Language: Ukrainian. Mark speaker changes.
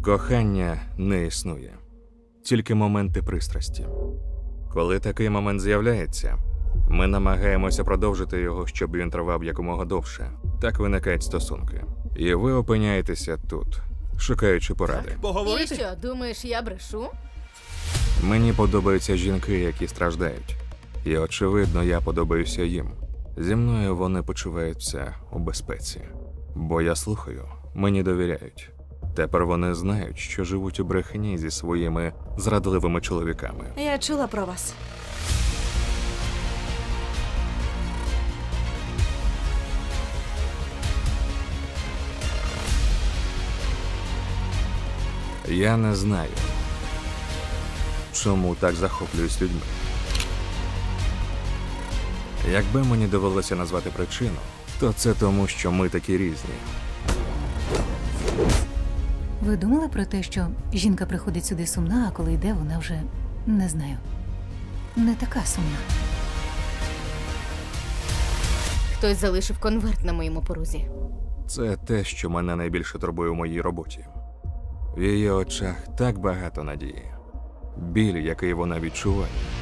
Speaker 1: Кохання не існує, тільки моменти пристрасті. Коли такий момент з'являється, ми намагаємося продовжити його, щоб він тривав якомога довше. Так виникають стосунки. І ви опиняєтеся тут, шукаючи поради.
Speaker 2: І
Speaker 3: Поговорити?
Speaker 2: що, думаєш, я брешу?
Speaker 1: Мені подобаються жінки, які страждають. І, очевидно, я подобаюся їм. Зі мною вони почуваються у безпеці. Бо я слухаю, мені довіряють. Тепер вони знають, що живуть у брехні зі своїми зрадливими чоловіками.
Speaker 4: Я чула про вас.
Speaker 1: Я не знаю, чому так захоплююсь людьми. Якби мені довелося назвати причину, то це тому, що ми такі різні.
Speaker 5: Ви думали про те, що жінка приходить сюди сумна, а коли йде, вона вже, не знаю, не така сумна.
Speaker 2: Хтось залишив конверт на моєму порозі.
Speaker 1: Це те, що мене найбільше турбує у моїй роботі. В її очах так багато надії. Біль, який вона відчуває,